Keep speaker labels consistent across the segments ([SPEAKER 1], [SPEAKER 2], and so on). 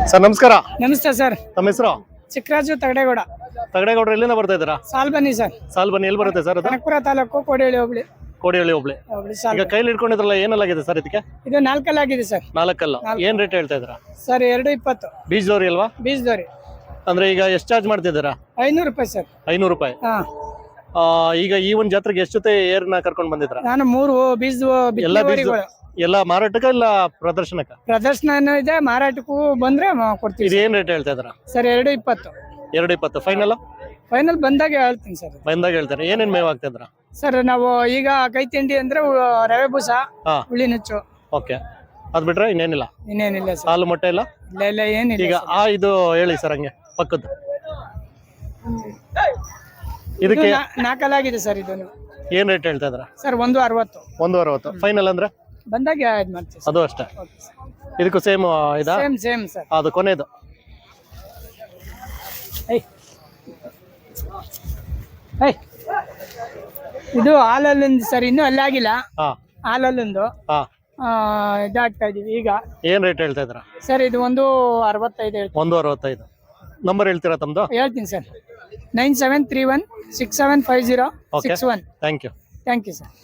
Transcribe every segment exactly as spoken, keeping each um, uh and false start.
[SPEAKER 1] Sir ನಮಸ್ಕಾರ.
[SPEAKER 2] ನಮಸ್ತೆ sir.
[SPEAKER 1] ತಮ್ಮ ಹೆಸರು?
[SPEAKER 2] ಚಿಕ್ಕರಾಜು ತಗಡೇಗೌಡ.
[SPEAKER 1] ತಗಡೇಗೌಡ ಎಲ್ಲಿಂದ ಬರ್ತಾ ಇದ್ದೀರಾ?
[SPEAKER 2] ಸಾಲ್ ಬನ್ನಿ ಸರ್.
[SPEAKER 1] ಸಾಲ್ ಬನ್ನಿ ಎಲ್ಲಿ ಬರುತ್ತೆ ಸರ್ ಅದು?
[SPEAKER 2] ಕನಕಪುರ ತಾಲೂಕು ಕೋಡಿಹಳ್ಳಿ ಹೋಬಳಿ.
[SPEAKER 1] ಕೋಡಿಹಳ್ಳಿ ಹೋಬಳಿ. ಈಗ ಕೈಲಿ ಇಟ್ಕೊಂಡಿದ್ರಲ್ಲ ಏನೆಲ್ಲಾಗಿದೆ ಸರ್ ಇದಕ್ಕೆ?
[SPEAKER 2] ಇದು ನಾಲ್ಕಲ್ಲಾಗಿದೆ ಸರ್.
[SPEAKER 1] ನಾಲ್ಕಲ್ಲ. ಏನ್ ರೇಟ್ ಹೇಳ್ತಾ ಇದ್ದೀರಾ
[SPEAKER 2] ಸರ್? ಎರಡು ಇಪ್ಪತ್ತು.
[SPEAKER 1] ಬೀಜದವ್ರಿ ಅಲ್ವಾ?
[SPEAKER 2] ಬೀಜದವ್ರಿ. ಅಂದ್ರೆ
[SPEAKER 1] ಈಗ ಎಷ್ಟು ಚಾರ್ಜ್ ಮಾಡ್ತಿದ್ದೀರಾ?
[SPEAKER 2] ಐನೂರು ರೂಪಾಯಿ ಸರ್.
[SPEAKER 1] ಐನೂರು ರೂಪಾಯಿ.
[SPEAKER 2] ಹಾ.
[SPEAKER 1] ಈಗ ಈ ಒಂದ್ ಜಾತ್ರೆಗೆ ಎಷ್ಟು ಜೊತೆ ಏರ್ನ ಕರ್ಕೊಂಡ್ ಬಂದಿದ್ರ?
[SPEAKER 2] ನಾನು ಮೂರು ಬೀಜ
[SPEAKER 1] ಎಲ್ಲ ಬೀಜ ಎಲ್ಲ ಮಾರಾಟಕ್ಕ ಇಲ್ಲ ಪ್ರದರ್ಶನಕ್ಕ?
[SPEAKER 2] ಪ್ರದರ್ಶನ ಇದೆ, ಮಾರಾಟಕ್ಕೂ ಬಂದ್ರೆ ಕೊಡ್ತೀವಿ.
[SPEAKER 1] ಇದು ಏನ್ ರೇಟ್ ಹೇಳ್ತಾ ಇದ್ರ
[SPEAKER 2] ಸರ್? ಎರಡು ಇಪ್ಪತ್ತು.
[SPEAKER 1] ಎರಡು ಇಪ್ಪತ್ತು ಫೈನಲ್?
[SPEAKER 2] ಫೈನಲ್ ಬಂದಾಗ ಹೇಳ್ತೀನಿ ಸರ್.
[SPEAKER 1] ಬಂದಾಗ ಹೇಳ್ತಾರೆ. ಏನೇನ್ ಮೇವ್ ಆಗ್ತಿದ್ರ
[SPEAKER 2] ಸರ್? ನಾವು ಈಗ ಕೈ ತಿಂಡಿ ಅಂದ್ರೆ ರವೆ ಬೂಸ, ಹುಳಿ ನುಚ್ಚು.
[SPEAKER 1] ಓಕೆ, ಅದ್ ಬಿಟ್ರೆ ಇನ್ನೇನಿಲ್ಲ?
[SPEAKER 2] ಇನ್ನೇನಿಲ್ಲ ಸರ್.
[SPEAKER 1] ಹಾಲು ಮೊಟ್ಟೆ ಇಲ್ಲ?
[SPEAKER 2] ಇಲ್ಲ ಇಲ್ಲ ಏನಿಲ್ಲ.
[SPEAKER 1] ಈಗ ಆ ಇದು ಹೇಳಿ ಸರ್, ಹಂಗೆ ಪಕ್ಕದ್ದು ಇದಕ್ಕೆ
[SPEAKER 2] ನಾಲ್ಕಲ್ಲಾಗಿದೆ ಸರ್. ಇದು
[SPEAKER 1] ಏನ್ ರೇಟ್ ಹೇಳ್ತಾ ಇದ್ರ
[SPEAKER 2] ಸರ್? ಒಂದು ಅರವತ್ತು.
[SPEAKER 1] ಒಂದು ಅರವತ್ತು ಫೈನಲ್ ಅಂದ್ರೆ
[SPEAKER 2] ಬಂದಾಗ ಇದು ಮಾಡ್ತೀವಿ.
[SPEAKER 1] ಅದು ಅಷ್ಟೇ. ಇದಕ್ಕೂ ಸೇಮ್ ಇದಾ?
[SPEAKER 2] Same same sir.
[SPEAKER 1] ಅದು ಕೊನೆದು.
[SPEAKER 2] ಇದು ಹಾಲಲ್ಲಿಂದ ಸರ್, ಇನ್ನೂ ಅಲ್ಲಾಗಿಲ್ಲ.
[SPEAKER 1] ಹಾ,
[SPEAKER 2] ಹಾಲಲ್ಲಿಂದು
[SPEAKER 1] ಹಾ,
[SPEAKER 2] ಇದಾಗ್ತಾ ಇದೀವಿ ಈಗ.
[SPEAKER 1] ಏನ್ ರೇಟ್ ಹೇಳ್ತಾ ಇದ್ರ
[SPEAKER 2] ಸರ್? ಇದು ಒಂದು ಅರವತ್ತೈದು ಹೇಳ್ತೀನಿ.
[SPEAKER 1] ಒಂದು ಅರವತ್ತೈದು. ನಂಬರ್ ಹೇಳ್ತೀರಾ ತಮ್ದು?
[SPEAKER 2] ಹೇಳ್ತೀನಿ sir. Nine seven three one six seven five zero six one.
[SPEAKER 1] Thank you.
[SPEAKER 2] Thank you sir.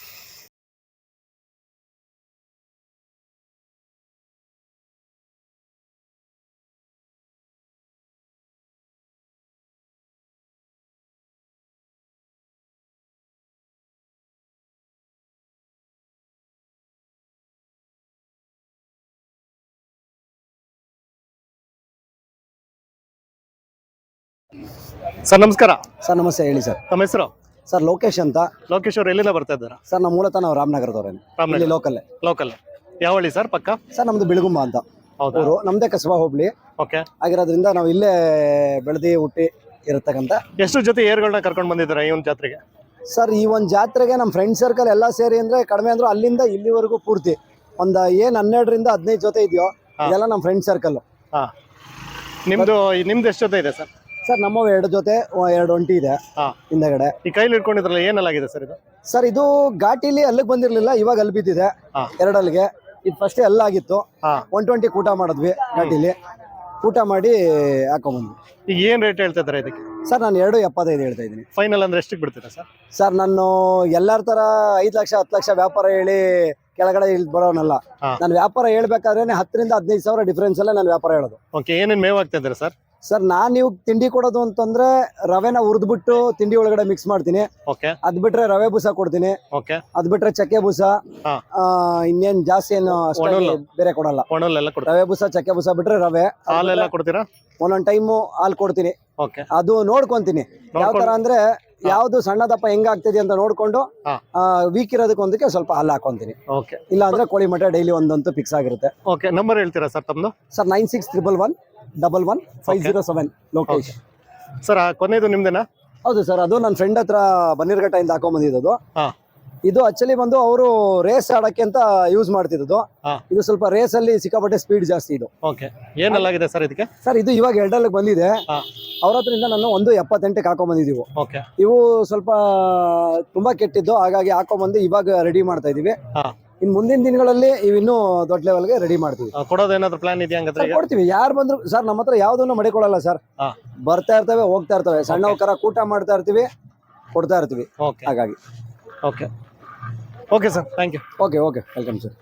[SPEAKER 1] Sir ನಮಸ್ಕಾರ.
[SPEAKER 3] ಸರ್ ನಮಸ್ತೆ, ಹೇಳಿ ಸರ್.
[SPEAKER 1] ತಮ್ಮ ಹೆಸರು?
[SPEAKER 3] ಸರ್ ಲೋಕೇಶ್ ಅಂತ.
[SPEAKER 1] ಲೋಕೇಶ್ ಅವ್ರು ಎಲ್ಲಿಂದ ಬರ್ತಾ ಇದ್ದಾರಾ?
[SPEAKER 3] ಸರ್ ನಮ್ಮ ಮೂಲತಃ ನಾವು ರಾಮನಗರದವ್ರೇನೆ, ಇಲ್ಲಿ ಲೋಕಲ್.
[SPEAKER 1] ಲೋಕಲ್ ಯಾವ ಹಳ್ಳಿ ಸರ್? ಪಕ್ಕ
[SPEAKER 3] ಸರ್ ನಮ್ದು ಬಿಳುಗುಂಬ ಅಂತ ಊರು, ನಮ್ದೇ ಕಸಬಾ ಹೋಬಳಿ.
[SPEAKER 1] ಓಕೆ,
[SPEAKER 3] ಆಗಿರೋದ್ರಿಂದ ನಾವು ಇಲ್ಲೇ ಬೆಳೆದಿ ಹುಟ್ಟಿ ಇರತಕ್ಕಂತ.
[SPEAKER 1] ಎಷ್ಟು ಜೊತೆ ಏರ್ಗಳನ್ನ ಕರ್ಕೊಂಡು ಬಂದಿದ್ದೀರಾ ಈ ಒಂದು ಜಾತ್ರೆಗೆ?
[SPEAKER 3] ಸರ್ ಈ ಒಂದು ಜಾತ್ರೆಗೆ ನಮ್ಮ ಫ್ರೆಂಡ್ ಸರ್ಕಲ್ ಎಲ್ಲ ಸೇರಿ ಅಂದ್ರೆ ಕಡಿಮೆ ಅಂದ್ರು ಅಲ್ಲಿಂದ ಇಲ್ಲಿವರೆಗೂ ಪೂರ್ತಿ ಒಂದ್ ಏನ್ ಹನ್ನೆರಡರಿಂದ ಹದಿನೈದು ಜೊತೆ ಇದೆಯೋ ಇದೆಲ್ಲ ನಮ್ಮ ಫ್ರೆಂಡ್ ಸರ್ಕಲ್.
[SPEAKER 1] ಹಾ, ನಿಮ್ದು ನಿಮ್ದು ಎಷ್ಟು ಜೊತೆ ಇದೆ ಸರ್?
[SPEAKER 3] ಸರ್ ನಮ್ಮವು ಎರಡು ಜೊತೆ, ಎರಡು ಒಂಟಿ ಇದೆ ಹಿಂದಗಡೆ.
[SPEAKER 1] ಈ ಕೈಲಿ ಇಟ್ಕೊಂಡಿದ್ರಲ್ಲ ಏನೆಲ್ಲಾಗಿದೆ ಸರ್ ಇದು?
[SPEAKER 3] ಸರ್ ಇದು ಘಾಟಿಲಿ ಅಲ್ಲಿಗೆ ಬಂದಿರ್ಲಿಲ್ಲ, ಇವಾಗ ಅಲ್ಲಿ ಬಿದ್ದಿದೆ ಎರಡಲ್ಲಿಗೆ. ಇದು ಫಸ್ಟ್ ಎಲ್ಲ ಆಗಿತ್ತು. ಒನ್ ಟ್ವೆಂಟಿ ಊಟ ಮಾಡಿದ್ವಿ ಘಾಟಿಲಿ, ಊಟ ಮಾಡಿ ಹಾಕೊಂಡ್ಬಂದ್ವಿ.
[SPEAKER 1] ಈಗ ಏನ್ ರೇಟ್ ಹೇಳ್ತಾ ಇದ್ದಾರೆ ಇದಕ್ಕೆ?
[SPEAKER 3] ಸರ್ ನಾನು ಎರಡು ಎಪ್ಪತ್ತೈದು ಹೇಳ್ತಾ ಇದ್ದೀನಿ.
[SPEAKER 1] ಫೈನಲ್ ಅಂದ್ರೆ ಎಷ್ಟಕ್ಕೆ ಬಿಡ್ತೀರಾ ಸರ್?
[SPEAKER 3] ಸರ್ ನಾನು ಎಲ್ಲರ ತರ ಐದು ಲಕ್ಷ ಹತ್ತು ಲಕ್ಷ ವ್ಯಾಪಾರ ಹೇಳಿ ಕೆಳಗಡೆ ಇಲ್ಲಿ ಬರೋನಲ್ಲ. ನಾನು ವ್ಯಾಪಾರ ಹೇಳ್ಬೇಕಾದ್ರೆ ಹತ್ತರಿಂದ ಹದಿನೈದು ಸಾವಿರ ಡಿಫ್ರೆನ್ಸ್ ಅಲ್ಲೇ ನಾನು ವ್ಯಾಪಾರ ಹೇಳೋದು.
[SPEAKER 1] ಓಕೆ, ಏನೇನ್ ಮೇವ್ ಆಗ್ತಾ ಇದ್ದಾರೆ ಸರ್?
[SPEAKER 3] ಸರ್ ನಾನ್ ನೀವು ತಿಂಡಿ ಕೊಡೋದು ಅಂತಂದ್ರೆ ರವೆನ ಹುರಿದ್ಬಿಟ್ಟು ತಿಂಡಿ ಒಳಗಡೆ ಮಿಕ್ಸ್ ಮಾಡ್ತೀನಿ. ಅದ್ ಬಿಟ್ರೆ ರವೆ ಬೂಸ ಕೊಡ್ತೀನಿ. ಅದ್ ಬಿಟ್ರೆ ಚಕ್ಕೆ ಬೂಸ, ಇನ್ನೇನ್ ಜಾಸ್ತಿ ಏನು ಬೇರೆ ಕೊಡಲ್ಲ. ರವೆ ಬೂಸ ಚಕ್ಕೆ ಬೂಸ ಬಿಟ್ರೆ ರವೆ.
[SPEAKER 1] ಹಾಲೆಲ್ಲ ಕೊಡ್ತೀರಾ?
[SPEAKER 3] ಒಂದೊಂದ್ ಟೈಮು ಹಾಲು ಕೊಡ್ತೀನಿ. ಅದು ನೋಡ್ಕೊಂತೀನಿ ಯಾವ ತರ ಅಂದ್ರೆ ಯಾವ್ದು ಸಣ್ಣ ದಪ್ಪ ಹೆಂಗ ಆಗ್ತದೆ ಅಂತ ನೋಡ್ಕೊಂಡು ವೀಕ್ ಇರೋದಕ್ಕೊಂದಕ್ಕೆ ಸ್ವಲ್ಪ ಹಾಲು ಹಾಕೊಂತೀನಿ. ಇಲ್ಲ ಅಂದ್ರೆ ಕೋಳಿ ಮಠ ಡೈಲಿ ಒಂದಂತೂ ಫಿಕ್ಸ್ ಆಗಿರುತ್ತೆ.
[SPEAKER 1] ನಂಬರ್ ಹೇಳ್ತೀರಾ ಸರ್ ತಮ್ಮದು?
[SPEAKER 3] Sir nine six triple one double one five zero seven. Lokesh
[SPEAKER 1] sir. ಕೊನೆದು ನಿಮ್ದೇನಾ?
[SPEAKER 3] ಹೌದು ಸರ್, ಅದು ನನ್ನ ಫ್ರೆಂಡ್ ಹತ್ರ ಬನ್ನೀರ್ಘಟ್ಟದಿಂದ ಹಾಕೊಂಡ್ ಬಂದಿದ್ದು. ಇದು ಆಕ್ಚುಲಿ ಬಂದು ಅವರು ರೇಸ್ ಆಡಕ್ಕೆ ಅಂತ ಯೂಸ್ ಮಾಡ್ತಿದ್ದು. ಇದು ಸ್ವಲ್ಪ ರೇಸ್ ಅಲ್ಲಿ ಸಿಕ್ಕಾಪಟ್ಟೆ ಸ್ಪೀಡ್ ಜಾಸ್ತಿ. ಇದು
[SPEAKER 1] ಏನೆಲ್ಲಾಗಿದೆ ಸರ್ ಇದಕ್ಕೆ?
[SPEAKER 3] ಸರ್ ಇದು ಇವಾಗ ಎರಡಲ್ಲಿಗೆ ಬಂದಿದೆ. ಅವ್ರ ಹತ್ರದಿಂದ ನಾನು ಒಂದು ಎಪ್ಪತ್ತೆಂಟಕ್ಕೆ ಹಾಕೊಂಡ್ ಬಂದಿದ್ದೀವಿ. ಇವು ಸ್ವಲ್ಪ ತುಂಬಾ ಕೆಟ್ಟಿದ್ದು, ಹಾಗಾಗಿ ಹಾಕೊಂಡ್ಬಂದು ಇವಾಗ ರೆಡಿ ಮಾಡ್ತಾ ಇದೀವಿ. ಇನ್ ಮುಂದಿನ ದಿನಗಳಲ್ಲಿ ಇವಿನ್ನೂ ದೊಡ್ಡ ಲೆವೆಲ್ಗೆ ರೆಡಿ ಮಾಡ್ತೀವಿ.
[SPEAKER 1] ಕೊಡೋದೇನಾದ್ರು ಪ್ಲಾನ್ ಇದೆಯಾ?
[SPEAKER 3] ಕೊಡ್ತೀವಿ. ಯಾರು ಬಂದ್ರು ಸರ್ ನಮ್ಮ ಹತ್ರ ಯಾವ್ದನ್ನು ಮಡಿಕೊಳ್ಳಲ್ಲ ಸರ್. ಬರ್ತಾ ಇರ್ತವೆ, ಹೋಗ್ತಾ ಇರ್ತವೆ. ಸಣ್ಣ ಕರ ಕೂಟ ಮಾಡ್ತಾ ಇರ್ತೀವಿ, ಕೊಡ್ತಾ ಇರ್ತೀವಿ. ಹಾಗಾಗಿ
[SPEAKER 1] okay okay sir, thank you.
[SPEAKER 3] Okay okay welcome sir.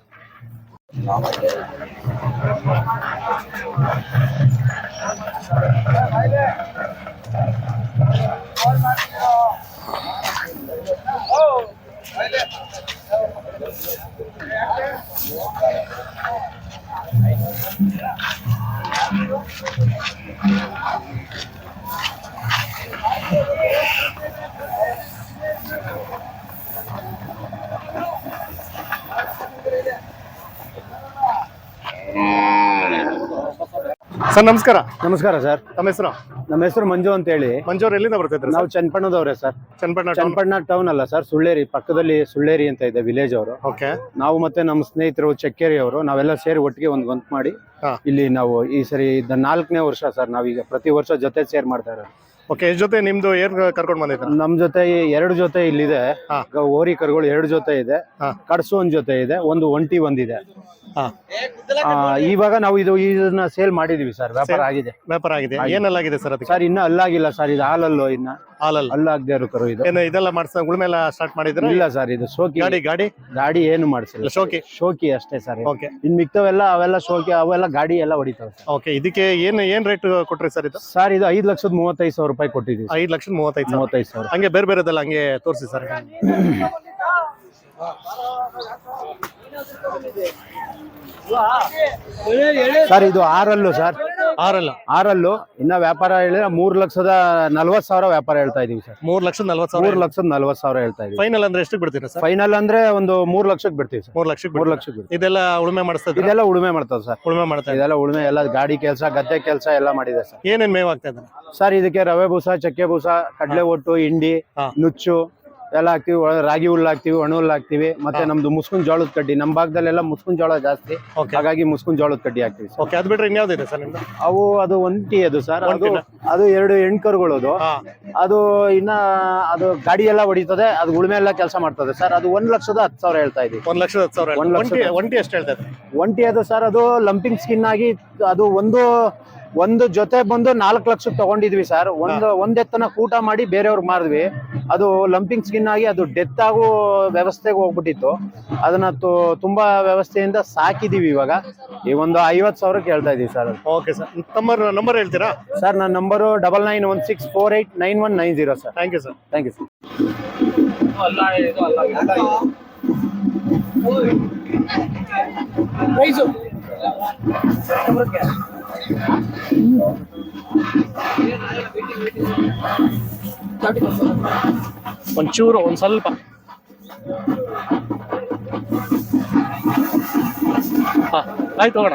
[SPEAKER 1] Sir ನಮಸ್ಕಾರ.
[SPEAKER 3] ನಮಸ್ಕಾರ ಸರ್.
[SPEAKER 1] ತಮ್ಮ ಹೆಸರು?
[SPEAKER 3] ನಮ್ಮ ಹೆಸರು ಮಂಜು ಅಂತ ಹೇಳಿ.
[SPEAKER 1] ಮಂಜು ಅವ್ರು ಎಲ್ಲಿಂದ ಬರ್ತಿದ್ರು?
[SPEAKER 3] ನಾವು ಚನ್ನಪಣ್ಣದವ್ರೆ ಸರ್.
[SPEAKER 1] ಚನ್ನಪಣ್ಣ
[SPEAKER 3] ಚನ್ನಪಣ್ಣ ಟೌನ್ ಅಲ್ಲ ಸರ್, ಸುಳ್ಳೇರಿ ಪಕ್ಕದಲ್ಲಿ ಸುಳ್ಳೇರಿ ಅಂತ ಇದೆ ವಿಲೇಜ್ ಅವರು.
[SPEAKER 1] ಓಕೆ.
[SPEAKER 3] ನಾವು ಮತ್ತೆ ನಮ್ಮ ಸ್ನೇಹಿತರು ಚಕ್ಕೇರಿ ಅವರು ನಾವೆಲ್ಲ ಸೇರಿ ಒಟ್ಟಿಗೆ ಒಂದು ಗೊಂತ್ ಮಾಡಿ ಇಲ್ಲಿ ನಾವು ಈ ಸರಿ ನಾಲ್ಕನೇ ವರ್ಷ ಸರ್ ನಾವೀಗ ಪ್ರತಿ ವರ್ಷ ಜೊತೆ ಸೇರ್ ಮಾಡ್ತಾ ಇರೋದು.
[SPEAKER 1] ಓಕೆ, ಜೊತೆ ನಿಮ್ದು ಏನ್ ಕರ್ಕೊಂಡು ಬಂದಿದ್ರ?
[SPEAKER 3] ನಮ್ ಜೊತೆ ಎರಡು ಜೊತೆ ಇಲ್ಲಿದೆ, ಓರಿ ಕರುಗಳು ಎರಡು ಜೊತೆ ಇದೆ, ಕಡಸು ಒಂದ್ ಜೊತೆ ಇದೆ, ಒಂದು ಒಂಟಿ ಒಂದಿದೆ.
[SPEAKER 1] ಹಾ
[SPEAKER 4] ಆ, ಇವಾಗ ನಾವು ಇದು ಇದನ್ನ ಸೇಲ್ ಮಾಡಿದೀವಿ ಸರ್, ವ್ಯಾಪಾರ
[SPEAKER 1] Sale-
[SPEAKER 4] ಆಗಿದೆ
[SPEAKER 1] ವ್ಯಾಪಾರ ಆಗಿದೆ. ಏನೆಲ್ಲಾಗಿದೆ ಸರ್ ಅದಕ್ಕೆ?
[SPEAKER 4] ಸರ್. ಇನ್ನ ಅಲ್ಲಾಗಿಲ್ಲ ಸರ್, ಇದು ಹಾಲಲ್ಲೋ ಇನ್ನ
[SPEAKER 1] ಹಾಲಲ್ಲ
[SPEAKER 4] ಅಲ್ಲಾಗದೆ ಇರೋ ಕರು ಇದು.
[SPEAKER 1] ಏನು ಇದೆಲ್ಲ ಮಾಡ್ಸ ಉಳುಮೆ ಎಲ್ಲ ಸ್ಟಾರ್ಟ್ ಮಾಡಿದ್ರೆ?
[SPEAKER 4] ಇಲ್ಲ ಸರ್, ಇದು ಶೋಕಿ
[SPEAKER 1] ಗಾಡಿ ಗಾಡಿ
[SPEAKER 4] ಗಾಡಿ ಏನು ಮಾಡಿಸಿಲ್ಲ,
[SPEAKER 1] ಶೋಕಿ.
[SPEAKER 4] ಶೋಕಿ ಅಷ್ಟೇ ಸರ್.
[SPEAKER 1] ಓಕೆ
[SPEAKER 4] ಇನ್ ಮಿಕ್ತವೆಲ್ಲ ಅವೆಲ್ಲ ಶೋಕಿ, ಅವೆಲ್ಲ ಗಾಡಿ ಎಲ್ಲ ಹೊಡಿತಾವೆ ಸರ್.
[SPEAKER 1] ಓಕೆ ಇದಕ್ಕೆ ಏನ್ ಏನ್ ರೇಟ್ ಕೊಟ್ರಿ ಸರ್ ಇದು?
[SPEAKER 4] ಸರ್ ಇದು ಐದ್ ಲಕ್ಷದ ಮೂವತ್ತೈದು ಸಾವಿರ ರೂಪಾಯಿ ಕೊಟ್ಟಿದ್ದೀವಿ ಸರ್.
[SPEAKER 1] ಐದ್ ಲಕ್ಷದ ಮೂವತ್ತೈದು ಸಾವಿರ.
[SPEAKER 4] ಮೂವತ್ತೈದು ಸಾವಿರ.
[SPEAKER 1] ಹಂಗೆ ಬೇರೆ ಬೇರೆದೆಲ್ಲ ಹಂಗೆ ತೋರಿಸಿ ಸರ್.
[SPEAKER 4] ಸರ್ ಇದು ಆರಲ್ಲು ಸರ್,
[SPEAKER 1] ಆರಲ್ಲ
[SPEAKER 4] ಆರಲ್ಲು ಇನ್ನ ವ್ಯಾಪಾರ ಹೇಳಿದ್ರೆ ಮೂರ್ ಲಕ್ಷದ ನಲ್ವತ್ ಸಾವಿರ ವ್ಯಾಪಾರ ಹೇಳ್ತಾ ಇದೀವಿ ಸರ್.
[SPEAKER 1] ಮೂರ್ ಲಕ್ಷದ ನಲ್ವತ್ತು
[SPEAKER 4] ಮೂರ್
[SPEAKER 1] ಸಾವಿರ.
[SPEAKER 4] ಲಕ್ಷದ ನಲ್ವತ್ ಸಾವಿರ ಹೇಳ್ತಾ ಇದೀವಿ.
[SPEAKER 1] ಫೈನಲ್ ಅಂದ್ರೆ ಎಷ್ಟು ಬಿಡ್ತೀರಾ ಸರ್?
[SPEAKER 4] ಫೈನಲ್ ಅಂದ್ರೆ ಒಂದು ಮೂರ್ ಲಕ್ಷಕ್ಕೆ ಬಿಡ್ತೀವಿ ಸರ್.
[SPEAKER 1] ಮೂರ್ ಲಕ್ಷಕ್ಕೆ
[SPEAKER 4] ಮೂರ್
[SPEAKER 1] ಬಿಡ್ತೀರಾ?
[SPEAKER 4] ಲಕ್ಷಕ್ಕೆ ಬಿಡ್ತೀವಿ.
[SPEAKER 1] ಇದೆಲ್ಲ ಉಳುಮೆ ಮಾಡಿಸ್ತಾ ಇದ್ದೀರಾ?
[SPEAKER 4] ಇದೆಲ್ಲ ಉಳುಮೆ ಮಾಡ್ತಾವ ಸರ್.
[SPEAKER 1] ಉಳುಮೆ ಮಾಡ್ತಾ ಇದ್ದೀರಾ?
[SPEAKER 4] ಇದೆಲ್ಲ ಉಳುಮೆ ಎಲ್ಲ ಗಾಡಿ ಕೆಲಸ, ಗದ್ದೆ ಕೆಲಸ ಎಲ್ಲ ಮಾಡಿದೆ ಸರ್.
[SPEAKER 1] ಏನೇನ್ ಮೇವ್ ಆಗ್ತಾ ಇದ್ದಾರೆ
[SPEAKER 4] ಸರ್ ಇದಕ್ಕೆ ರವೆ ಬೂಸ, ಚಕ್ಕೆ ಬೂಸ, ಕಡಲೆ ಒಟ್ಟು, ಹಿಂಡಿ,
[SPEAKER 1] ಹಾ.
[SPEAKER 4] ನುಚ್ಚು ಎಲ್ಲ ಹಾಕ್ತಿವಿ. ಒಳ- ರಾಗಿ ಹುಲ್ಲು ಹಾಕ್ತಿವಿ, ಒಣ ಹುಲ್ಲು ಹಾಕ್ತಿವಿ. ಮತ್ತೆ ನಮ್ದು ಮುಸ್ಕುನ್ ಜೋಳದ ಕಡ್ಡಿ, ನಮ್ ಭಾಗದಲ್ಲೆಲ್ಲ ಮುಸ್ಕುನ್ ಜೋಳ ಜಾಸ್ತಿ,
[SPEAKER 1] ಓಕೆ
[SPEAKER 4] ಹಾಗಾಗಿ ಮುಸ್ಕುನ್ ಜೋಳದ ಕಡ್ಡಿ ಹಾಕ್ತಿವಿ ಸರ್.
[SPEAKER 1] ಓಕೆ ಅದ್ ಬಿಟ್ರೆ ಇನ್ಯಾವ್ದಿದೆ ಸರ್ ನಿಮ್ದು?
[SPEAKER 4] ಅವು ಅದು ಒಂಟಿ ಅದು ಸರ್, ಅದು
[SPEAKER 1] ಒಂಟಿನಾ?
[SPEAKER 4] ಅದು ಎರಡು ಹೆಣ್ಕರುಗಳು. ಅದು
[SPEAKER 1] ಹಾ
[SPEAKER 4] ಅದು ಇನ್ನ ಅದು ಗಾಡಿ ಎಲ್ಲ ಹೊಡಿತದೆ, ಅದು ಉಳುಮೆ ಎಲ್ಲ ಕೆಲಸ ಮಾಡ್ತದೆ ಸರ್. ಅದು ಒಂದ್ ಲಕ್ಷದ ಹತ್ತು ಸಾವಿರ ಹೇಳ್ತಾ ಇದೀವಿ.
[SPEAKER 1] ಒಂದ್ ಲಕ್ಷದ ಹತ್ತು ಸಾವಿರ.
[SPEAKER 4] ಒಂದ್ ಲಕ್ಷದ
[SPEAKER 1] ಒಂಟಿ
[SPEAKER 4] ಹತ್ತು.
[SPEAKER 1] ಒಂಟಿ ಎಷ್ಟು ಹೇಳ್ತಾ ಇದ್ದಾರೆ?
[SPEAKER 4] ಒಂಟಿ ಅದು ಸರ್, ಅದು ಲಂಪಿಂಗ್ ಸ್ಕಿನ್ ಆಗಿ ಅದು ಒಂದು ಒಂದು ಜೊತೆ ಬಂದು ನಾಲ್ಕು ಲಕ್ಷಕ್ಕೆ ತಗೊಂಡಿದ್ವಿ ಸರ್. ಒಂದು ಒಂದೆತ್ತನ ಕೂಟ ಮಾಡಿ ಬೇರೆಯವ್ರಿಗೆ ಮಾರಿದ್ವಿ. ಅದು ಲಂಪಿಂಗ್ ಸ್ಕಿನ್ ಆಗಿ ಅದು ಡೆತ್ ಆಗೋ ವ್ಯವಸ್ಥೆಗೆ ಹೋಗ್ಬಿಟ್ಟಿತ್ತು. ಅದನ್ನ ತು- ತುಂಬಾ ವ್ಯವಸ್ಥೆಯಿಂದ ಸಾಕಿದೀವಿ. ಇವಾಗ ಈ ಒಂದು ಐವತ್ತು ಸಾವಿರಕ್ಕೆ ಹೇಳ್ತಾ ಇದೀವಿ sir.
[SPEAKER 1] Okay sir, number number ಹೇಳ್ತೀರಾ
[SPEAKER 4] ಸರ್ ನನ್ನ number double nine one six four eight nine one nine zero sir.
[SPEAKER 1] Thank you sir.
[SPEAKER 4] Thank you sir.
[SPEAKER 1] ಒಂಚೂರು ಒಂದ್ ಸ್ವಲ್ಪ ಹಾ ಆಯ್ತು ಹೋಗೋಣ.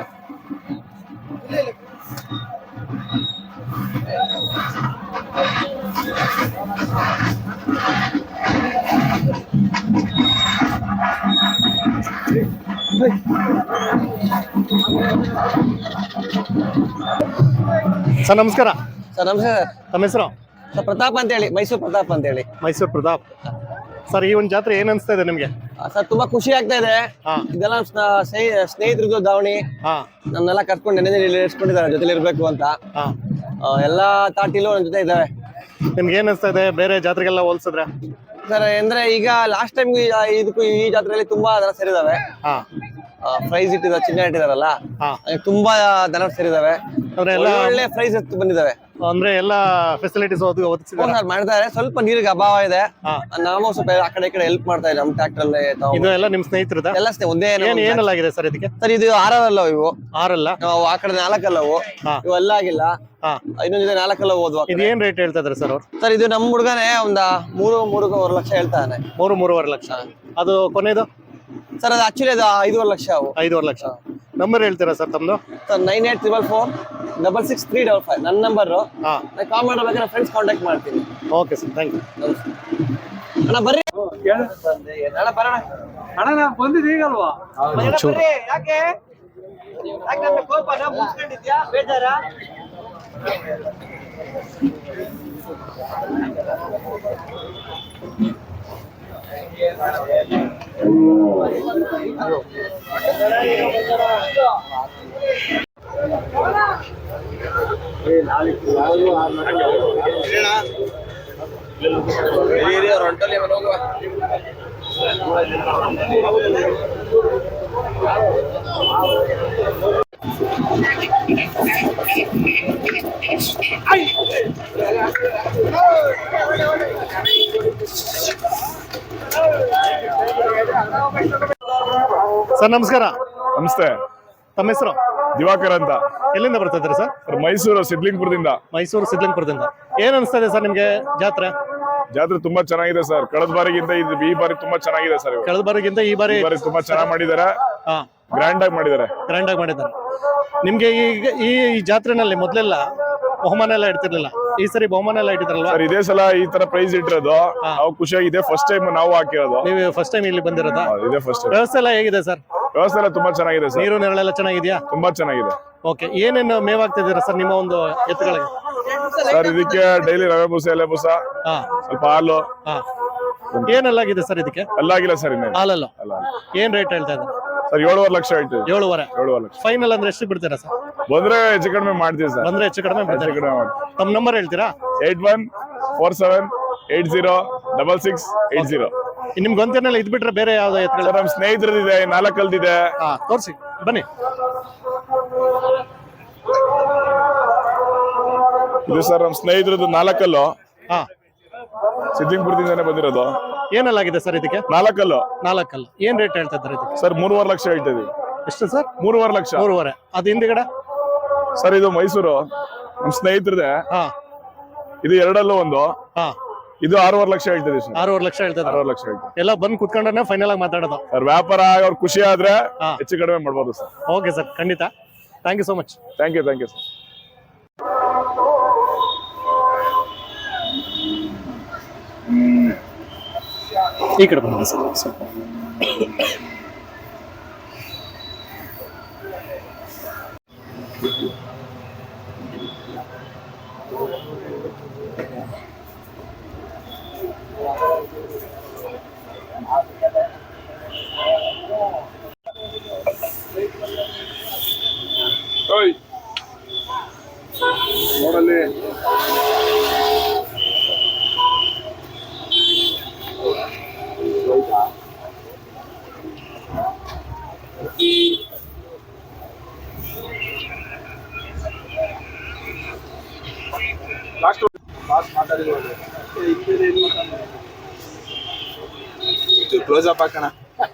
[SPEAKER 1] ಸರ್ ನಮಸ್ಕಾರ.
[SPEAKER 5] ಸರ್ ನಮಸ್ತೆ ಸರ್.
[SPEAKER 1] ತಮ್ಮ ಹೆಸರು?
[SPEAKER 5] ಸರ್ ಪ್ರತಾಪ್ ಅಂತ ಹೇಳಿ, ಮೈಸೂರು ಪ್ರತಾಪ್ ಅಂತ ಹೇಳಿ.
[SPEAKER 1] ಮೈಸೂರು ಪ್ರತಾಪ್. ಸರ್ ಈ ಒಂದು ಜಾತ್ರೆ ಏನ್ ಅನ್ಸ್ತಾ ಇದೆ ನಿಮ್ಗೆ?
[SPEAKER 5] ಆ, ಸರ್ ತುಂಬಾ ಖುಷಿ ಆಗ್ತಾ ಇದೆ.
[SPEAKER 1] ಹಾ
[SPEAKER 5] ಇದೆಲ್ಲ ನಮ್ ಸ್ನ- ಸ್ನೇಹಿ- ಸ್ನೇಹಿತರದ್ದು ದಾವಣಿ,
[SPEAKER 1] ಹಾ
[SPEAKER 5] ನನ್ನೆಲ್ಲ ಕರ್ಕೊಂಡು ನೆನೆ ಇರಿಸ್ಕೊಂಡಿದ್ದಾರೆ ಜೊತೆಲಿ ಇರ್ಬೇಕು ಅಂತ.
[SPEAKER 1] ಹಾ
[SPEAKER 5] ಆ, ಎಲ್ಲಾ ತಾಟಿಲು ನನ್ನ ಜೊತೆ ಇದ್ದಾವೆ.
[SPEAKER 1] ನಿಮ್ಗೆ ಏನ್ ಅನ್ಸ್ತಾ ಇದೆ ಬೇರೆ ಜಾತ್ರೆಗೆಲ್ಲ ಹೋಲ್ಸಿದ್ರೆ?
[SPEAKER 5] ಸರ್ ಅಂದ್ರೆ ಈಗ ಲಾಸ್ಟ್ ಟೈಮ್ ಇದಕ್ಕೂ ಈ ಜಾತ್ರೆಯಲ್ಲಿ ತುಂಬಾ ದನ ಸೇರಿದಾವೆ.
[SPEAKER 1] ಹಾ
[SPEAKER 5] ಪ್ರೈಸ್ ಇಟ್ಟಿದ್ದಾರೆ, ಚಿನ್ನ ಇಟ್ಟಿದಾರಲ್ಲ,
[SPEAKER 1] ಹಾ
[SPEAKER 5] ಹಾಗೆ ತುಂಬಾ ದನ ಸೇರಿದಾವೆ.
[SPEAKER 1] ಅಂದ್ರೆ ಎಲ್ಲ
[SPEAKER 5] ಒಳ್ಳೆ ಪ್ರೈಸ್ ಬಂದಿದ್ದಾವೆ.
[SPEAKER 1] ಅಂದ್ರೆ ಎಲ್ಲ ಫೆಸಿಲಿಟೀಸ್ ಒದಗಿಸಿದ್ದಾರೆ.
[SPEAKER 5] ಸರ್ ಮಾಡ್ತಾರೆ. ಸ್ವಲ್ಪ ನೀರಿಗೆ ಅಭಾವ ಇದೆ.
[SPEAKER 1] ಹಾ
[SPEAKER 5] ನಾವು ಸ್ವಲ್ಪ ಆ ಕಡೆ ಈ ಕಡೆ ಹೆಲ್ಪ್ ಮಾಡ್ತಾ ಇದ್ದೀವಿ. ನಮ್ಮ ಟ್ರ್ಯಾಕ್ಟರ್ ಅಲ್ಲಿ ತಾವು
[SPEAKER 1] ಇದು ಎಲ್ಲ ನಿಮ್ ಸ್ನೇಹಿತರದ?
[SPEAKER 5] ಎಲ್ಲ ಸ್ನೇಹ ಒಂದೇ
[SPEAKER 1] ಏನ್ ಏನೆಲ್ಲ ಆಗಿದೆ ಸರ್ ಇದಕ್ಕೆ?
[SPEAKER 5] ಸರ್ ಇದು ಆರಲ್ಲ ಇವು,
[SPEAKER 1] ಆರಲ್ಲ?
[SPEAKER 5] ನಾವು ಆ ಕಡೆ ನಾಲ್ಕಲ್ಲವು,
[SPEAKER 1] ಹಾ
[SPEAKER 5] ಇವೆಲ್ಲ ಆಗಿಲ್ಲ.
[SPEAKER 1] ಹಾ
[SPEAKER 5] ಇನ್ನೊಂದಿದೆ ನಾಲ್ಕಲ್ಲ ಓದುವ.
[SPEAKER 1] ಇದು ಏನ್ ರೇಟ್ ಹೇಳ್ತಾ ಇದಾರೆ ಸರ್ ಅವ್ರು?
[SPEAKER 5] ಸರ್ ಇದು ನಮ್ಮ ಹುಡುಗನೇ ಒಂದ ಮೂರು ಮೂರುವರೆ ಲಕ್ಷ ಹೇಳ್ತಾನೆ.
[SPEAKER 1] ಮೂರು ಮೂರುವರೆ ಲಕ್ಷ. ಅದು ಕೊನೆದು
[SPEAKER 5] ಸರ್ ಅದು ಆಕ್ಚುಲಿ ಅದು ಐದೂವರೆ ಲಕ್ಷ ಅವು.
[SPEAKER 1] ಐದೂವರೆ ಲಕ್ಷ. ನಂಬರ್ ಹೇಳ್ತೀರಾ ಸರ್ ತಮ್ದು?
[SPEAKER 5] Sir nine eight triple four double six three double five ನನ್ನ ನಂಬರು.
[SPEAKER 1] ಹಾ
[SPEAKER 5] ನಾನು ಕಾಲ್ ಮಾಡಬೇಕಾದ್ರೆ ಫ್ರೆಂಡ್ಸ್ ಕಾಂಟ್ಯಾಕ್ಟ್ ಮಾಡ್ತೀನಿ.
[SPEAKER 1] Okay sir, thank you.
[SPEAKER 5] ಅಣ್ಣ ಬರ್ರಿ ಅಣ್ಣ ಬರೋಣ.
[SPEAKER 2] ಅಣ್ಣ ನಾ ಬಂದಿದ್ದು ಈಗಲ್ವಾ?
[SPEAKER 1] ಒಂಚೂರು
[SPEAKER 5] ಯಾಕೆ ಯಾಕೆ ನನ್ನ ಕೋಪ ನಾ ಮುಗಿಸ್ಕೊಂಡಿದ್ಯಾ ಬೇಜಾರ?
[SPEAKER 1] ಸರ್ ನಮಸ್ಕಾರ.
[SPEAKER 6] ನಮಸ್ತೆ.
[SPEAKER 1] ತಮ್ಮ ಹೆಸರು?
[SPEAKER 6] ದಿವಾಕರ್ ಅಂತ.
[SPEAKER 1] ಎಲ್ಲಿಂದ ಬರ್ತಾ ಇದ್ದೀರಾ ಸರ್?
[SPEAKER 6] ಸರ್ ಮೈಸೂರು ಸಿದ್ಲಿಂಗ್ಪುರದಿಂದ.
[SPEAKER 1] ಮೈಸೂರು ಸಿದ್ಲಿಂಗ್ಪುರದಿಂದ. ಏನ್ ಅನಿಸ್ತಾ ಇದೆ ಸರ್ ನಿಮ್ಗೆ ಜಾತ್ರೆ?
[SPEAKER 6] ಜಾತ್ರೆ ತುಂಬಾ ಚೆನ್ನಾಗಿದೆ ಸರ್. ಕಳೆದ ಬಾರಿಗಿಂತ ಇದು ಈ ಬಾರಿ ತುಂಬಾ ಚೆನ್ನಾಗಿದೆ ಸರ್. ಇವಾಗ
[SPEAKER 1] ಕಳೆದ ಬಾರಿಗಿಂತ ಈ ಬಾರಿ
[SPEAKER 6] ಈ ಬಾರಿ ತುಂಬಾ ಚೆನ್ನಾಗಿ ಮಾಡಿದ್ದಾರೆ,
[SPEAKER 1] ಹಾ
[SPEAKER 6] ಗ್ರ್ಯಾಂಡ್ ಆಗಿ ಮಾಡಿದ್ದಾರೆ.
[SPEAKER 1] ಗ್ರ್ಯಾಂಡ್ ಆಗಿ ಮಾಡಿದ್ದಾರೆ. ನಿಮ್ಗೆ ಈಗ ಈ ಈ ಜಾತ್ರೆನಲ್ಲಿ ಮೊದಲೆಲ್ಲ ಬಹುಮಾನ ಎಲ್ಲ ಇಡ್ತಿರ್ಲಿಲ್ಲ, ಈ ಸರಿ ಬಹುಮಾನ ಎಲ್ಲ ಇಟ್ಟಿದ್ರಲ್ವಾ?
[SPEAKER 6] ಸರ್ ಇದೇ ಸಲ ಈ ತರ ಪ್ರೈಸ್ ಇಟ್ಟಿರೋದು ನಾವು ಖುಷಿಯಾಗಿದೆ. ಫಸ್ಟ್ ಟೈಮ್ ನಾವು ಹಾಕಿರೋದು.
[SPEAKER 1] ನೀವು ಫಸ್ಟ್ ಟೈಮ್ ಇಲ್ಲಿ ಬಂದಿರೋದಾ?
[SPEAKER 6] ಹೌದು, ಇದೇ ಫಸ್ಟ್ ಟೈಮ್.
[SPEAKER 1] ವ್ಯವಸ್ಥೆ ಎಲ್ಲ ಹೇಗಿದೆ ಸರ್?
[SPEAKER 6] ವ್ಯವಸ್ಥೆ ಎಲ್ಲ ತುಂಬಾ ಚೆನ್ನಾಗಿದೆ ಸರ್.
[SPEAKER 1] ನೀರು ನೆರಳೆಲ್ಲ ಚೆನ್ನಾಗಿದ್ಯಾ?
[SPEAKER 6] ತುಂಬಾ ಚೆನ್ನಾಗಿದೆ.
[SPEAKER 1] ಓಕೆ, ಏನೇನು ಮೇವಾಗ್ತಿದ್ದೀರಾ ಸರ್ ನಿಮ್ಮ ಒಂದು ಎತ್ತುಗಳಿಗೆ?
[SPEAKER 6] ಸರ್ ಇದಕ್ಕೆ ಡೈಲಿ ರವೆ ಬೂಸ, ಎಲೆ ಬೂಸ,
[SPEAKER 1] ಹಾ
[SPEAKER 6] ಸ್ವಲ್ಪ ಹಾಲು.
[SPEAKER 1] ಹಾ ಏನೆಲ್ಲಾಗಿದೆ ಸರ್ ಇದಕ್ಕೆ?
[SPEAKER 6] ಅಲ್ಲಾಗಿಲ್ಲ ಸರ್ ಇನ್ನೇನು
[SPEAKER 1] ಹಾಲಲ್ಲ.
[SPEAKER 6] ಅಲ್ಲ.
[SPEAKER 1] ಏನ್ ರೇಟ್ ಹೇಳ್ತಾ ಇದ್ದಾರೆ?
[SPEAKER 6] ಸರ್ ಏಳುವರೆ ಲಕ್ಷ ಹೇಳ್ತೀವಿ.
[SPEAKER 1] ಏಳುವರೆ
[SPEAKER 6] ಏಳುವರೆ ಲಕ್ಷ
[SPEAKER 1] ಫೈನಲ್ ಅಂದ್ರೆ ಎಷ್ಟು ಬಿಡ್ತೀರಾ ಸರ್?
[SPEAKER 6] ಬಂದ್ರೆ ಹೆಚ್ಚು ಕಡಿಮೆ ಮಾಡ್ತೀವಿ ಸರ್.
[SPEAKER 1] ಬಂದ್ರೆ ಹೆಚ್ಚು ಕಡಿಮೆ
[SPEAKER 6] ಹೆಚ್ಚು
[SPEAKER 1] ಬಿಡ್ತೀರಾ?
[SPEAKER 6] ಕಡಿಮೆ ಮಾಡ್ತೀವಿ.
[SPEAKER 1] ತಮ್ಮ ನಂಬರ್ ಹೇಳ್ತೀರಾ?
[SPEAKER 6] Eight one four seven eight zero double six eight zero.
[SPEAKER 1] ನಿಮ್ಗೆ ಗೊಂತೇನೆಲ್ಲ ಇದ್ ಬಿಟ್ರೆ ಬೇರೆ ಯಾವ್ದು ಎತ್ಕೊಳ್ಳಿ?
[SPEAKER 6] ಸರ್ ನಮ್ ಸ್ನೇಹಿತರದಿದೆ, ನಾಲ್ಕಲ್ದಿದೆ.
[SPEAKER 1] ಹಾ ತೋರಿಸಿ ಬನ್ನಿ.
[SPEAKER 6] ಇದು ಸರ್ ನಮ್ ಸ್ನೇಹಿತರದ್ದು ನಾಲ್ಕಲ್ಲು,
[SPEAKER 1] ಹಾ
[SPEAKER 6] ಸಿದ್ದಿಂಗ್ಪುರದಿಂದಾನೆ ಬಂದಿರೋದು.
[SPEAKER 1] ಏನಲ್ಲಾಗಿದೆ ಸರ್ ಇದಕ್ಕೆ?
[SPEAKER 6] ನಾಲ್ಕಲ್ಲು
[SPEAKER 1] ನಾಲ್ಕಲ್ಲ. ಏನ್ ರೇಟ್ ಹೇಳ್ತಾ ಇದ್ದಾರೆ ಇದಕ್ಕೆ?
[SPEAKER 6] ಸರ್ ಮೂರುವರೆ ಲಕ್ಷ ಹೇಳ್ತಾ ಇದೀವಿ.
[SPEAKER 1] ಎಷ್ಟು ಸರ್?
[SPEAKER 6] ಮೂರುವರೆ ಲಕ್ಷ.
[SPEAKER 1] ಮೂರುವರೆ. ಅದು ಹಿಂದಿಗಡೆ
[SPEAKER 6] ಸರ್ ಇದು ಮೈಸೂರು ನಮ್ ಸ್ನೇಹಿತರದೆ.
[SPEAKER 1] ಹಾ
[SPEAKER 6] ಇದು ಎರಡಲ್ಲೂ ಒಂದು.
[SPEAKER 1] ಹಾ
[SPEAKER 6] ಇದು ಆರೂವರೆ ಲಕ್ಷ ಹೇಳ್ತಿದ್ವಿ ಸರ್.
[SPEAKER 1] ಆರೂವರೆ ಲಕ್ಷ ಹೇಳ್ತಾ ಇದ್ದಾರೆ.
[SPEAKER 6] ಆರೂವರೆ ಲಕ್ಷ ಹೇಳ್ತೀವಿ.
[SPEAKER 1] ಎಲ್ಲ ಬಂದು ಕುತ್ಕೊಂಡ್ರೆ ಫೈನಲ್ ಆಗಿ ಮಾತಾಡೋದು.
[SPEAKER 6] ಸರ್ ವ್ಯಾಪಾರ ಅವ್ರ ಖುಷಿ ಆದ್ರೆ
[SPEAKER 1] ಹಾ.
[SPEAKER 6] ಹೆಚ್ಚು ಕಡಿಮೆ ಮಾಡ್ಬೋದು ಸರ್.
[SPEAKER 1] ಓಕೆ ಸರ್, ಖಂಡಿತ. Thank you so much.
[SPEAKER 6] Thank you thank you sir.
[SPEAKER 1] ಈ ಕಡೆ ಬನ್ನಿ ಸರ್ ಸ್ವಲ್ಪ.
[SPEAKER 6] ನೋಡಲ್ಲಿ
[SPEAKER 7] ಕ್ಲೋಸ್ ಅಪ್ ಹಾಕೋಣ.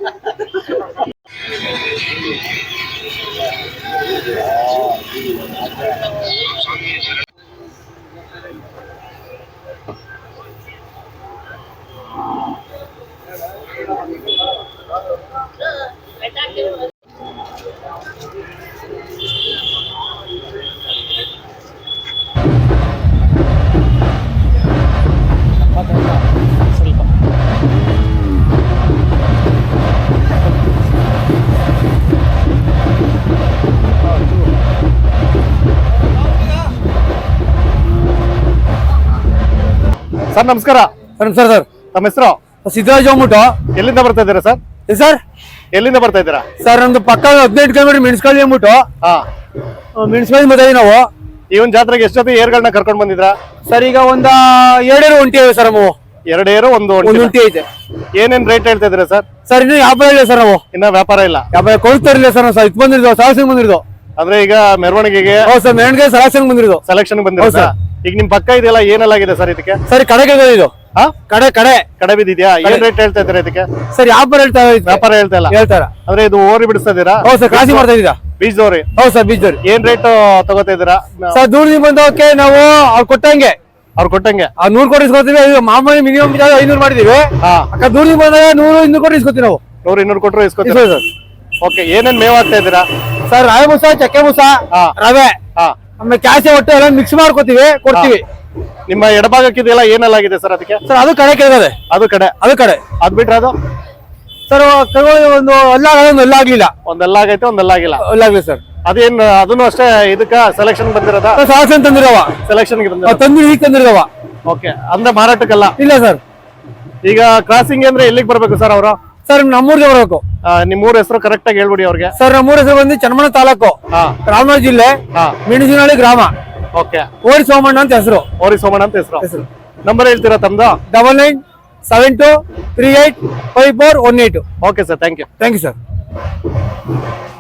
[SPEAKER 1] ಸ್ವಲ್ಪ ಸರ್ ನಮಸ್ಕಾರ.
[SPEAKER 4] ಸರ್ ಸರ್
[SPEAKER 1] ತಮ್ಮ ಹೆಸರು?
[SPEAKER 4] ಸಿದ್ದರಾಜ್ ಹೋಗ್ಬಿಟ್ಟು
[SPEAKER 1] ಎಲ್ಲಿಂದ ಬರ್ತಾ ಇದ್ದೀರಾ ಸರ್?
[SPEAKER 4] ಸರ್
[SPEAKER 1] ಎಲ್ಲಿಂದ ಬರ್ತಾ ಇದ್ದೀರಾ?
[SPEAKER 4] ಸರ್ ನಮ್ದು ಪಕ್ಕ ಹದಿನೆಂಟು ಕಿಲೋಮೀಟರ್ ಮೆಣಸ್ಕಳ್ಳಿ ಅಂದ್ಬಿಟ್ಟು
[SPEAKER 1] ಹಾ
[SPEAKER 4] ಮೆಣಸ್ಕಳ್ಳಿ ಬಂದಿದ್ದೀವಿ ನಾವು.
[SPEAKER 1] ಈ ಒಂದು ಜಾತ್ರೆಗೆ ಎಷ್ಟು ಜೊತೆ ಏರ್ಗಳನ್ನ ಕರ್ಕೊಂಡ್ ಬಂದಿದ್ರಾ?
[SPEAKER 4] ಸರ್ ಈಗ ಒಂದ ಎರಡೇರು ಒಂಟಿ ಇವೆ ಸರ್ ನಾವು.
[SPEAKER 1] ಎರಡು ಏರು ಒಂದು
[SPEAKER 4] ಒಂದು
[SPEAKER 1] ಒಂಟಿ.
[SPEAKER 4] ಒಂಟಿ ಐತೆ
[SPEAKER 1] ಏನೇನ್ ರೇಟ್ ಹೇಳ್ತಾ ಇದ್ದೀರಾ ಸರ್?
[SPEAKER 4] ಸರ್ ಇನ್ನು ವ್ಯಾಪಾರ ಇಲ್ಲ ಸರ್ ನಾವು.
[SPEAKER 1] ಇನ್ನ ವ್ಯಾಪಾರ ಇಲ್ಲ.
[SPEAKER 4] ವ್ಯಾಪಾರ ಕೊಡ್ತಾರಿಲ್ಲ ಸರ್ ನಾವು. ಇದು ಬಂದಿರ್ದು ಸಾಹಸಿಂಗ್ ಬಂದಿರ್ದು.
[SPEAKER 1] ಅಂದ್ರೆ ಈಗ ಮೆರವಣಿಗೆಗೆ
[SPEAKER 4] ಹೌದು ಸರ್, ಮೆಣಗೆ ಸಾಹಸಿಂಗ್ ಬಂದಿರ್ದು
[SPEAKER 1] ಸೆಲೆಕ್ಷನ್ ಬಂದಿರೋದು.
[SPEAKER 4] ಹೌದು ಸರ್.
[SPEAKER 1] ಈಗ ನಿಮ್ ಪಕ್ಕ ಇದೆಯಲ್ಲ ಏನೆಲ್ಲಾಗಿದೆ ಸರ್ ಇದಕ್ಕೆ?
[SPEAKER 4] ಸರ್ ಕಡೆಗೆ ಇದು
[SPEAKER 1] ಹಾ
[SPEAKER 4] ಕಡೆ ಕಡೆ
[SPEAKER 1] ಕಡೆ ಬಿದ್ದಿದ್ಯಾ? ಏನ್ ರೇಟ್ ಹೇಳ್ತಾ ಇದ್ದೀರಾ ಇದಕ್ಕೆ?
[SPEAKER 4] ಸರ್ ವ್ಯಾಪಾರ ಹೇಳ್ತಾ
[SPEAKER 1] ವ್ಯಾಪಾರ ಹೇಳ್ತಾ ಇಲ್ಲ.
[SPEAKER 4] ಹೇಳ್ತಾರ.
[SPEAKER 1] ಅಂದ್ರೆ ಇದು ಓರಿ ಬಿಡಿಸ್ತಾ ಇದೀರಾ?
[SPEAKER 4] ಹೌದು ಸರ್, ಕ್ರಾಸಿಂಗ್ ಮಾಡ್ತಾ ಇದ್ದೀರಾ?
[SPEAKER 1] ಬೀಜದವ್ರಿ.
[SPEAKER 4] ಹೌದು ಸರ್, ಬೀಜದವ್ರಿ.
[SPEAKER 1] ಏನ್ ರೇಟ್ ತಗೋತಾ ಇದೀರಾ?
[SPEAKER 4] ಸರ್ ದೂರದಿಂದ ಬಂದವಕ್ಕೆ ನಾವು ಅವ್ರು ಕೊಟ್ಟಂಗೆ
[SPEAKER 1] ಅವ್ರು ಕೊಟ್ಟಂಗೆ
[SPEAKER 4] ಆ ನೂರ್ ಕೋಟಿ ಇಸ್ಕೊತೀವಿ. ಮಾಮೂಲಿ ಮಿನಿಮಮ್ ಐನೂರು ಮಾಡಿದೀವಿ.
[SPEAKER 1] ಹಾ
[SPEAKER 4] ಅಕ್ಕ ದೂರದಿಂದ ಬಂದಾಗ ನೂರು ಇನ್ನೂರು ಕೋಟಿ ಇಸ್ಕೊತೀವಿ ನಾವು.
[SPEAKER 1] ನೂರು ಇನ್ನೂರು ಕೊಟ್ಟರು ಇಸ್ಕೊತೀರಾ?
[SPEAKER 4] ಇಸ್ಕೊತೀವಿ ಸರ್.
[SPEAKER 1] ಓಕೆ, ಏನೇನ್ ಮೇವ್ ಆಗ್ತಾ ಇದ್ದೀರಾ?
[SPEAKER 4] ಸರ್ ರಾವೆ ಬೂಸ, ಚಕ್ಕೆ ಬೂಸ,
[SPEAKER 1] ಹಾ.
[SPEAKER 4] ರವೆ,
[SPEAKER 1] ಹಾ
[SPEAKER 4] ಆಮೇಲೆ ಕ್ಯಾಸೆ ಒಟ್ಟು ಎಲ್ಲ ಮಿಕ್ಸ್ ಮಾಡ್ಕೋತೀವಿ, ಕೊಡ್ತೀವಿ.
[SPEAKER 1] ನಿಮ್ಮ ಎಡಭಾಗಕ್ಕಿದೆಯಲ್ಲ ಏನೆಲ್ಲಾಗಿದೆ ಸರ್ ಅದಕ್ಕೆ?
[SPEAKER 4] ಸರ್ ಅದು ಕಡೆ ಕೆಳಗದೆ,
[SPEAKER 1] ಅದು ಕಡೆ
[SPEAKER 4] ಅದು ಕಡೆ.
[SPEAKER 1] ಅದ್ ಬಿಟ್ರೆ ಅದು
[SPEAKER 4] ಸರ್ ಕರ್ಕೊಂಡು ಒಂದು ಅಲ್ಲಾಗಲ್ಲ, ಒಂದು ಅಲ್ಲಾಗ್ಲಿಲ್ಲ.
[SPEAKER 1] ಒಂದೆಲ್ಲ ಆಗೈತೆ ಒಂದೆಲ್ಲ ಆಗಿಲ್ಲ.
[SPEAKER 4] ಅಲ್ಲಾಗ್ಲಿ ಸರ್.
[SPEAKER 1] ಅದೇನ್ ಅದನ್ನು ಅಷ್ಟೇ ಇದಕ್ಕ ಸೆಲೆಕ್ಷನ್ ಬಂದಿರೋದ?
[SPEAKER 4] ಸಾಕ್ಷನ್ ತಂದಿರವ,
[SPEAKER 1] ಸೆಲೆಕ್ಷನ್
[SPEAKER 4] ತಂದಿರಿ ಈಗ ತಂದಿರವ.
[SPEAKER 1] ಓಕೆ, ಅಂದ್ರೆ ಮಾರಾಟಕ್ಕಲ್ಲ?
[SPEAKER 4] ಇಲ್ಲ ಸರ್.
[SPEAKER 1] ಈಗ ಕ್ರಾಸಿಂಗ್ ಅಂದ್ರೆ ಎಲ್ಲಿಗೆ ಬರ್ಬೇಕು ಸರ್ ಅವರು?
[SPEAKER 4] ಸರ್ ನಮ್ಮೂರ್ಗೆ ಬರಬೇಕು.
[SPEAKER 1] ನಿಮ್ ಊರ ಹೆಸರು ಕರೆಕ್ಟ್ ಆಗಿ ಹೇಳ್ಬಿಡಿ ಅವ್ರಿಗೆ.
[SPEAKER 4] ಸರ್ ನಮ್ಮೂರ ಹೆಸರು ಬಂದು ಚನ್ನಮಣ ತಾಲೂಕು,
[SPEAKER 1] ಹಾ
[SPEAKER 4] ರಾಮನಗರ ಜಿಲ್ಲೆ,
[SPEAKER 1] ಹಾ
[SPEAKER 4] ಮೆಣಸಿನಹಳ್ಳಿ ಗ್ರಾಮ.
[SPEAKER 1] ಓಕೆ,
[SPEAKER 4] ಓರಿ ಸೋಮಣ್ಣ ಅಂತ ಹೆಸರು.
[SPEAKER 1] ಓರಿ ಸೋಮಣ್ಣ ಅಂತ ಹೆಸರು.
[SPEAKER 4] ಹೆಸರು
[SPEAKER 1] ನಂಬರ್ ಹೇಳ್ತೀರಾ ತಮ್ದು?
[SPEAKER 4] Double nine seven two three eight five four one eight.
[SPEAKER 1] Okay sir, thank you.
[SPEAKER 4] Thank you sir.